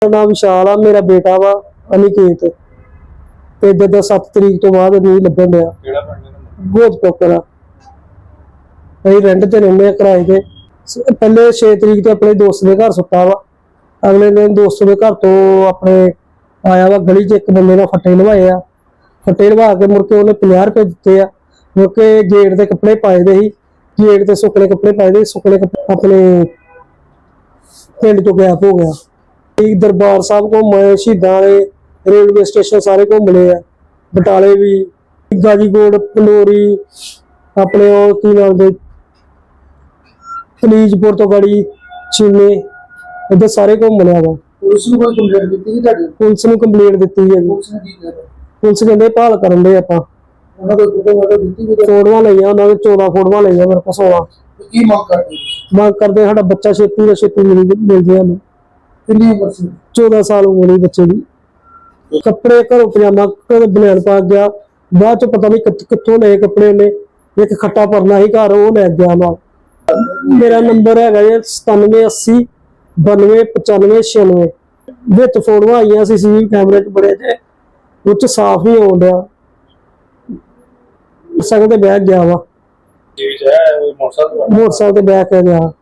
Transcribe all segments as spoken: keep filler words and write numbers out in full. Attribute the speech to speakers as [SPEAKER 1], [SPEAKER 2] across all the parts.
[SPEAKER 1] नाम विशाल आ, मेरा बेटा वा अनिकेत ते जद सत्त तरीक तो बाद नहीं लभन दिया गोद पोकर अं रेंट ते रहिंदे किराए ते। पहले छे तरीक तो अपने दोस्त के घर सुता वा, अगले दिन दोस्त के घर तो अपने आया वा गली च एक बंदे ने फट्टे लवाए आ, फट्टे लवा के मुड़ के उन्हें पचास रुपए दिते आ। मुड़ के गेट के कपड़े पाए दे ही, गेट ते सुकने कपड़े पाए दे, सुकने कपड़े अपने पिंड चो गैप हो गया। दरबार साहब घूमे, शहीदां दे रेलवे स्टेशन सारे घूमने आ, बटाले भी, गाजीकोट, पंडोरी, अपने और की नाम दे कलीजपुर तो गड़ी चीने इधर सारे घूमने आ।
[SPEAKER 2] पुलिस ਨੂੰ ਕੋਈ ਕੰਪਲੇਂਟ ਦਿੱਤੀ ਸੀ ਤੁਹਾਡੀ?
[SPEAKER 1] पुलिस ਨੂੰ ਕੰਪਲੇਂਟ ਦਿੱਤੀ है जी।
[SPEAKER 2] ਪੁਲਿਸ ਨੇ ਕੀ ਕਿਹਾ?
[SPEAKER 1] पुलिस ਕਹਿੰਦੇ ਭਾਲ ਕਰਨ ਦੇ ਆਪਾਂ।
[SPEAKER 2] ਉਹਨਾਂ ਕੋਲ ਫੋਟੋ ਵਾਟੋ ਦਿੱਤੀ ਕੋਈ?
[SPEAKER 1] ਫੋਟੋਆਂ ਲਈਆਂ ਉਹਨਾਂ ਦੇ ਚੌਦਾਂ ਫੋਟੋਆਂ ਲਈਆਂ ਮੇਰੇ ਕੋਲ ਸੋਲਾਂ।
[SPEAKER 2] ਕੀ ਮੰਗ ਕਰਦੇ?
[SPEAKER 1] ਮੰਗ ਕਰਦੇ ਸਾਡਾ ਬੱਚਾ ਛੇਤੀ ਤੋਂ ਛੇਤੀ ਮਿਲ ਮਿਲ ਜੇ ਸਾਨੂੰ।
[SPEAKER 2] ਕਿੰਨੀ ਉਮਰ ਸੀ?
[SPEAKER 1] चौदह साल उम्र है बच्चे की। कपड़े घरों पजामा बनियान पा गया, बाद च पता नहीं कितों ले कपड़े ने, एक खट्टा परना ही घर वो लै गया नाल। मेरा नंबर है सतानवे अस्सी बानवे पचानवे छियानवे। विच फोटोआं आईयां सी सी कैमरे च बड़े जे उच साफ नहीं हो रहा, मोटरसाइकिल ते बैठ गया वा, मोटरसाइकिल ते बैठ के गया।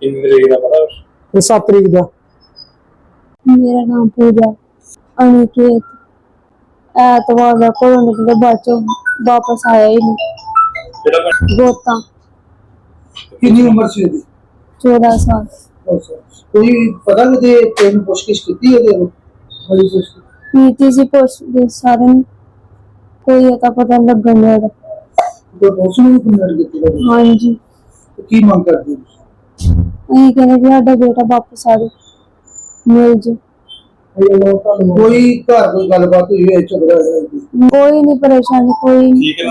[SPEAKER 1] सात तरीक का।
[SPEAKER 3] मेरा नाम पूजा अनिकेत ऐतवार का घरों निकले बाद चो वापस आया ही नहीं। गोता
[SPEAKER 2] कितनी उम्र सी ਉਹਦੀ?
[SPEAKER 3] चौदह साल।
[SPEAKER 2] ਕੋਈ ਪਤਾ ਨਹੀਂ ਤੇ ਤੈਨੂੰ ਪੁੱਛਗਿੱਛ ਕੀਤੀ ਉਹਦੇ ਨੂੰ? ਬੜੀ ਪੁੱਛ
[SPEAKER 3] नीति से पोस्ट सारे कोई अता पता नहीं लगन दिया।
[SPEAKER 2] ਕੋਈ ਪੁਲਿਸ ਨੂੰ ਕੰਪਲੇਂਟ ਕੀਤੀ?
[SPEAKER 3] हाँ जी,
[SPEAKER 2] ਕੀ ਮੰਗ ਕਰਦੇ ਹੋ?
[SPEAKER 3] अं कहने भी साडा बेटा वापस आ जाए, मिल जाए।
[SPEAKER 2] ਕੋਈ ਘਰ ਕੋਈ ਗੱਲਬਾਤ ਹੋਈ ਹੈ ਝਗੜਾ ਹੋਇਆ?
[SPEAKER 3] कोई नहीं परेशानी कोई नहीं।